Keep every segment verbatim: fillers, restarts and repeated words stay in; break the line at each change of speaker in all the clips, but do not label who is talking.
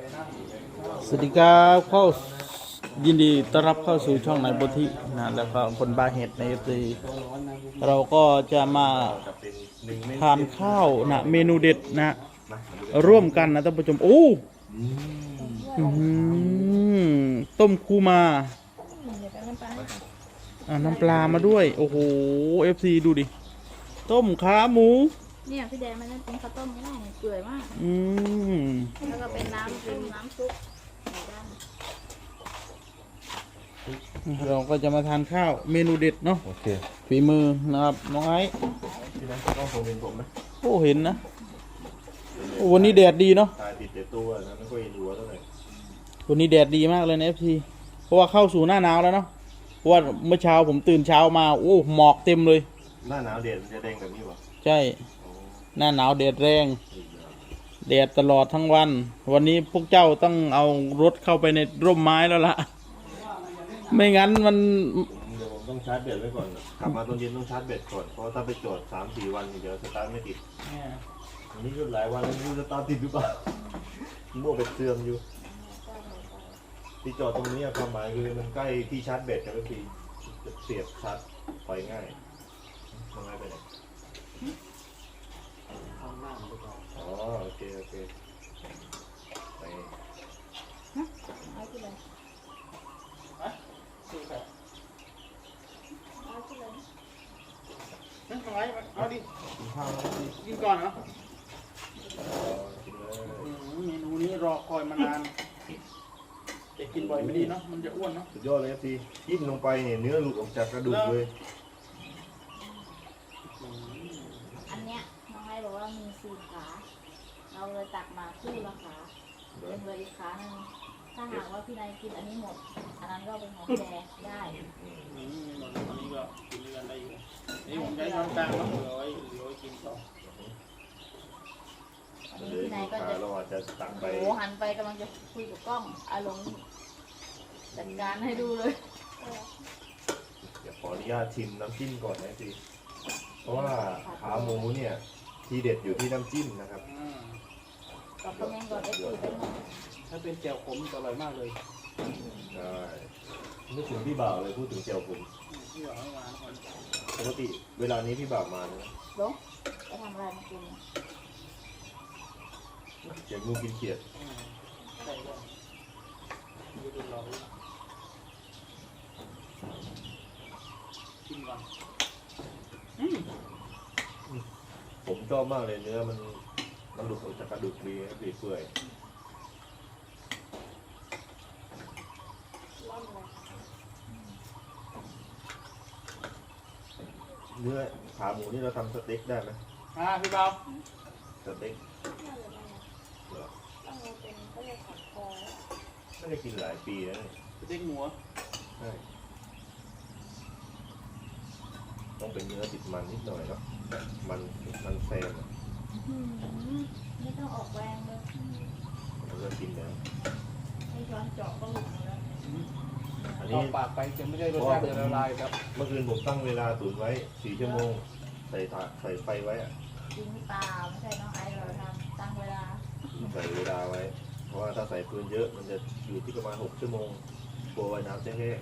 สวัสดีครับเข้ายินดีต้อนรับเข้าสู่ช่องนายโพธินะแล้วก็คนบาเห็ดในตีเราก็จะมาทานข้าวนะเมนูเด็ดนะร่วมกันนะท่านผู้ชมโอ้อื้อหือต้มคูมาอ่าน้ำปลามาด้วยโอ้โหเอฟซีดูดิต้มขาหมู
เนี่ยพี่แดงมันนั่นเป็นข้าวต้มไม่ได้เปื่อยมาก
อืม
แล้วก็เป็นน้ำเป็นน้ำซุป
เราก็จะมาทานข้าวเมนูเด็ดเนาะโอเคฝีมือนะครับน้องไอ้
ที่นั่นต้องผมเห็นผมไหม
โอ้เห็นนะโอ้วันนี้แดดดีเนาะ
ตายติดเด็ดตัวนะไม่ค่อยเห็นหัวเท่าไหร่
วันนี้แดดดีมากเลยนะเอฟซีเพราะว่าเข้าสู่หน้าหนาวแล้วเนาะเพราะว่าเมื่อเช้าผมตื่นเช้ามาโอ้หมอกเต็มเลย
หน้าหนาวแดดมันจะแดงแบบนี้วะ
ใช่หน้าหนาวแดดแรงแดดตลอดทั้งวันวันนี้พวกเจ้าต้องเอารถเข้าไปในร่มไม้แล้วล่ะไม่งั้นมัน
เดี๋ยวผมต้องชาร์จแบตไว้ก่อนกลับมาตอนเย็นต้องชาร์จแบตก่อนเพราะถ้าไปจอดสามสี่วันเดี๋ยวสตาร์ทไม่ติดอันนี้ก็หลายวันแล้วไม่รู้สตาร์ทติดหรือเปล่ามั่วไปเสื่อมอยู่ที่จอดตรงนี้ความหมายคือมันใกล้ที่ชาร์จแบตกันทุกทีจะเสียบชาร์จไฟง่ายทำไงไปไหนอ๋อโอเคโอเคไป
เอาดิ
กินข้าวแล้วดิ
กินก่อนเหรอ
กินเลย
เมนูนี้รอคอยมานานแต่กินบ่อยไม่ดีเนาะมันจะอ้วนเนาะ
สุดยอดเลยพี่จิ้มลงไปเนี่ยเนื้อหลุดออกจากกระดูกเลย
อันเนี้ยน้องไอ้บอกว่ามีสี่ขาเราเลยตักมาคู่ละขาเป็นเลยอีกขาหนึ่งถ้าหากว่าพี่นายกินอันนี้หมดอันนั้นก็เป็นของแกได้
อันนี้ก็กินเรือนได้อยู่นี่ผมใช้ช้อนกลางแล้วเหลือไว้เหลือไว้กินต่อ
อันนี้พี่นายก็จะ
เราอาจจะตักไป
โอ้หันไปกำลังจะคุยกับกล้องอารมณ์จัดการให้ดูเลย
เดี๋ยวขออนุญาตชิมน้ำจิ้มก่อนนะพี่เพราะว่าขาหมูเนี่ยทีเด็ดอยู่ที่น้ำจิ้มนะครับ
กับคอมเมนต์ก่อนได้คุยกัน
ถ้าเป็นแจ่วขมจะอร่อยมากเลย
ใช่นึกถึงพี่บ่าวเลยพูดถึงเจียวผม
พี่บ่าวให้มาก่อน
ปกติเวลานี้พี่บ่าวมานะ
ลงไปทำอะไรมากิน
เจียวงูกินเขียด
ใช่ก็ดูดูเรากินก่อน
ผมชอบมากเลยเนื้อมันมันหลุดออกจากกระดูกดีนะเปื่อยเนื้อขาหมูนี่เราทำสเต็กได้ไหม
อ่าพี่เบา
สเต็กไม่ได้กินหลายปีแล้ว
สเต็กหมู
ใช่ต้องเป็นเนื้อติดมันนิดหน่อยครับมันมันแซม
ไม่ต้องออกแรงเลย
เราจะกินแล้ว
ให้ช้อนเจาะก็หลุดแล้ว
อันนี้ปากไปจะไม่ได้รสชาติจะละลายครับ
เมื่อคืนผมตั้งเวลาตุ๋นไว้สี่ชั่วโมงใส่ถาดใส่ไฟไว้อะ
จริงเปล่าไม่ใช่น้องไอเราทำตั้งเวลา
ใส่เวลาไว้เพราะว่าถ้าใส่ฟืนเยอะมันจะอยู่ที่ประมาณหกชั่วโมงกลัวไว้น้ำจะแห้ง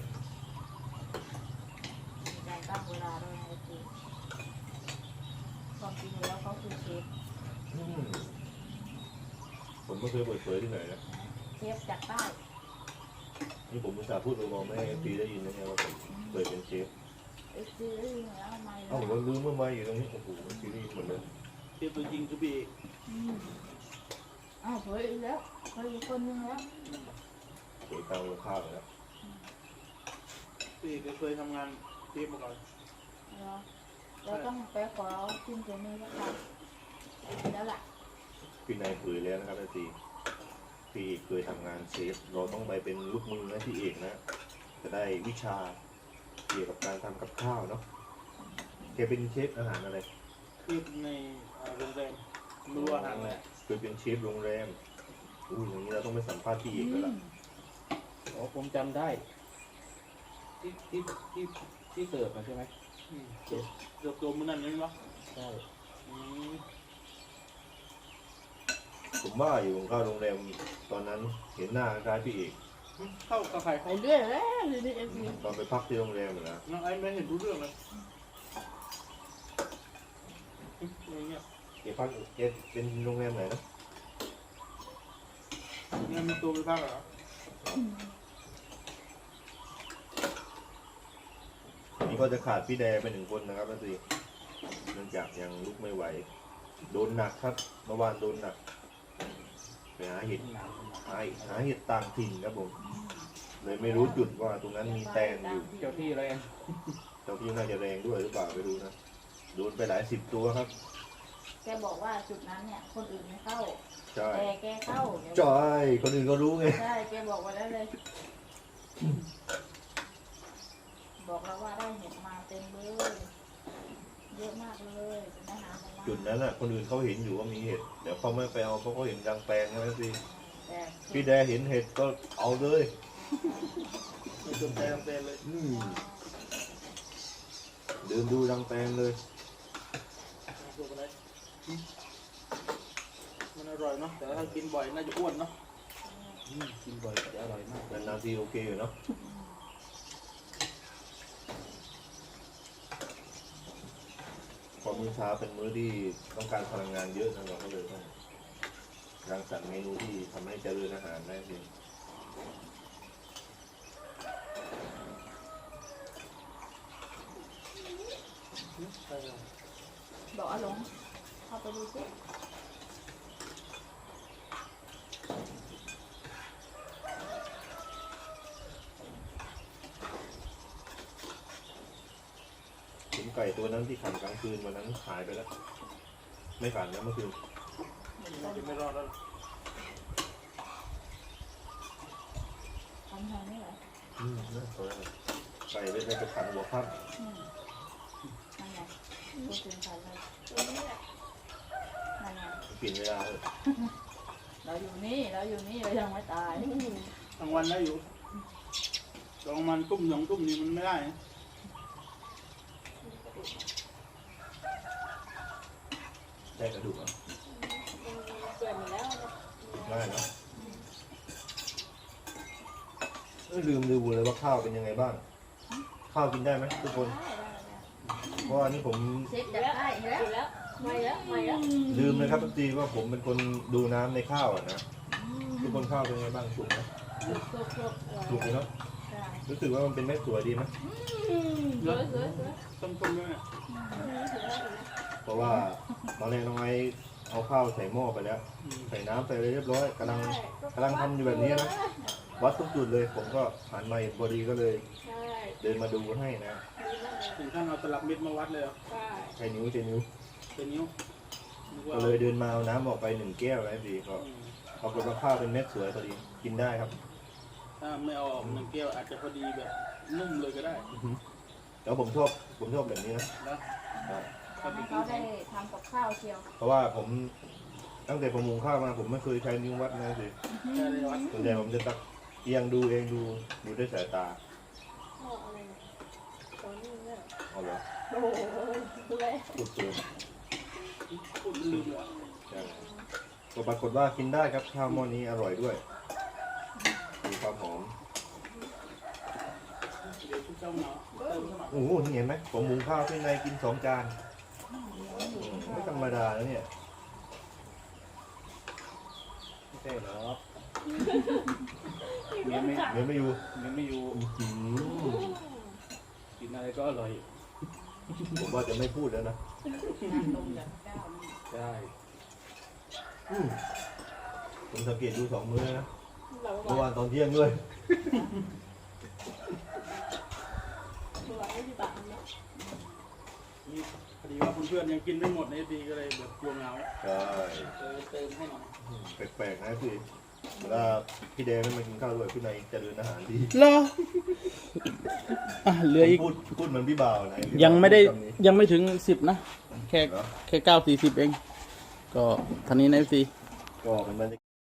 มีการตั้งเวลาด้วยนะคือความจริงแล้วเขาคือเชฟ
ผมไม่เคยเปิดเผยที่ไหนนะ
เชฟจากใต้
นี่ผมอุตส่าห์พูดไปบอกไม่ให้ปีได้ยินนะเนี่ยว่าผมเคยเป็นเชฟ
ไอ้ซีรีส์แล้วทำไม
เอ้าผมรู้เมื่อไม่อยู่ตรงนี้โอ้โหซีรีส์หมดเลย
เชฟตัวจริงคือพี่
อ้าวเผยอีกแล้วเผยอีกคนนึงแล้ว
เผยตามลงข้าวแล้ว
พี่เคยทำงานเชฟมาก่อน
เราต้องไปขอชิมตัวนี้แล้วกันแล้วล่ะ
พี่นายเผยแล้วนะครับอาจีพี่เคยทำงานเชฟเราต้องไปเป็นลูกมือนะพี่เอกนะจะได้วิชาเกี่ยวกับการทำกับข้าวเนาะแกเป็นเชฟอาหารอะไร
เชฟในโรงแรมรู้อาหารแหละ
เคยเป็นเชฟโรงแรมอู้อย่างนี้เราต้องไปสัมภาษณ์พี่เอกแล้วล่ะ
อ๋อผมจำได้ที่ที่ที่ที่เสิร์ฟมาใช่ไหมเสิร์ฟเสิร์ฟตัวมันนั่นใช่ไหมใช่
ผมว่าอยู่ผมเข้าโรงแรมตอนนั้นเห็นหน้าคล้ายพี่เอก
เข้ากับใคร
ไปเรื่อยแล้วเรื่อยๆเอฟซี
ตอนไปพักที่โรงแรมเหมือนนะ
น้องไอ้ไม่เห็นรู้เรื่องเลยอะไรเงี้ย
เกพักเกเป็นโรงแรมไหนนะ
เงินมีตัวไปบ้างเหรอ
นี่ก็จะขาดพี่แดไปหนึ่งคนนะครับนั่นสิเนื่องจากยังลุกไม่ไหวโดนหนักครับเมื่อวานโดนหนักไปหาเห็ดหาหาเห็ดต่างถิ่นครับผมเลยไม่รู้จุดว่าตรงนั้นมีแตนอยู่
เจ้าที่อะไร
เจ้าพี่น่าจะแรงด้วยหรือเปล่าไม่รู้นะโดนไปหลายสิบตัวครับ
แกบอกว่าจุดนั้นเนี่ยคนอื่นไม่เข้า
ใช่
แต่แกเข้าเดี๋ยว
จอยคนอื่นก็รู้ไง
ใช่แกบอกไว้แล้วเลย บอกแล้วว่าได้เห็ดมาเต็มเลยเยอะมากเลยเป็นอาหารของมัน
จุดนั้นอ่ะคนอื่นเขาเห็นอยู่ว่ามีเห็ดเดี๋ยวเขาไม่ไปเอาเพราะเขาเห็นกลางแปลงใช่ไหมสิ
แต่
พี่แดเห็นเห็ดก็เอาเลย
ไม่สนใจทำเต็มเลย
อืมเดินดูดังแปลงเลย
ตัวอะไรมันอร่อยเนาะแต่ถ้ากินบ่อยน่าจะอ้วนเนาะกินบ่อยจะอร่อยมาก
นานๆทีโอเคอยู่เนาะพอมื้อเช้าเป็นมื้อที่ต้องการพลังงานเยอะนะเราก็เลยต้องรังสรรค์เมนูที่ทำให้เจริญอาหารได้จริง
บอกอาหลงเข้าไปดูสิ
ขุนไก่ตัวนั้นที่ขันกลางคืนวันนั้นหายไปแล้ว ไม่ขันนะเมื่อคืน
จะไม่รอดแล้ว
ทำทางนี้เหรอ
อืมน่าสนใจไก่ได้ไปขันหัวข้าม
อืมนั่นไงพูดถึงใครเลยนั่นไง
เปลี่ยนเวลาเลย
เราอยู่นี่เราอยู่นี่เรายังไม่ตาย
กลางวันได้อยู่กลางวันตุ้มสองตุ้มนี่มันไม่ได้นะ
ได้กระดูกอ่ะ
เกิดมาแล้ว
ได้เนาะเอ้ยลืมดูเลยว่าข้าวเป็นยังไงบ้าง ข้าวกินได้ไหมทุกคน เพราะว่านี่ผม
เช็คจับได้อีกแล้วแล้วไม่แล้วไม่แล้ว
ลืมเลยครับทุกทีว่าผมเป็นคนดูน้ำในข้าวอ่ะนะทุกคนข้าวเป็นยังไงบ้างสุกไหม
สุกสุกสุก
สุกเลยเนาะ
ใช่
รู้สึกว่ามันเป็นเม็ดสวยดีไหม
สวยสวยสวย
ต้มๆด้วยเนี่ย
เพราะว่าตอนแรกน้องไอ้เอาข้าวใส่หม้อไปแล้ว ใส่น้ำใส่อะไรเรียบร้อยกำลังกำลังทำอยู่แบบนี้นะวัดทุกจุดเลย ผมก็หันมาเห็นพอดีก็เลย
ใช่
เดินมาดูให้นะ
ถึงขั้นเอาตลับเม็ดมาวัดเลยเหรอ
ใช่
ใช้นิ้วใช้นิ้ว
เป็นนิ้วนึกว่า
ก็เลยเดินมาเอาน้ำออกไปหนึ่งแก้วนะดีก็
อืม
ปรากฏว่าข้าวเป็นเม็ดสวยพอดีกินได้ครับ
ถ้าไม่เอาออกหนึ่งแก้วอาจจะพอดีแบบนุ่มเลยก็ได้
แล้วผมชอบผมชอบแบบนี้นะ
นะ
ทำให้เขาได้ทำกับข้าวเชียว
เพราะว่าผมตั้งแต่ผมหุงข้าวมาผมไม่เคยใช้นิ้ววัดนะสิ
แค่ได้วัด
ส่วนใหญ่ผมจะตักเอียงดูเองดูดูด้วยสายตา
พ่ออะไรตอนนี้เนี่ย
เอาเหรอ
โอ้โหเลย
พูดเกิน
พูดลืมเลย
ใช่ก็ปรากฏว่ากินได้ครับข้าวหม้อนี้อร่อยด้วยมีความหอม
เดี๋ยวชุบเจ้าหนาเติมเข้ามา
โอ้โหนี่เห็นไหมผมหุงข้าวที่ในกินสองจานอืมไม่ธรรมดาแล้วเนี่ยไม่ใช่หรอก
เมียไม่
เดี๋ยวไม่อยู่
เมียไม่อยู่
อื้อหือ
กินอะไรก็อร่อย
ผมว่าจะไม่พูดแล้วนะ
งานลงจากเก้านี่
ใช่
อืมผมสังเกตดูสองมื้อนะเมื่อวานตอนเที่ยงด้วย
นี่พอดีว่าเพื่อนๆยังกินไม่หมดในทีก็เลยแบบกลัวเหงา
ใช่
เออเติมให้หน่อย
แปลกๆนะพี่เวลาพี่แดงไม่มากินข้าวด้วยพี่นายเจริญอาหารดี
เหรออ่ะเหลืออีก
พูดพูดเหมือนพี่บ่าวนะ
ยังไม่ได้
พูคำนี้
ยังไม่ถึงสิบนะ แค่
เหรอ
แค่เก้าสี่สิบเอง ก็ทันนี้นะซี
ก็เป็นบรรยากาศ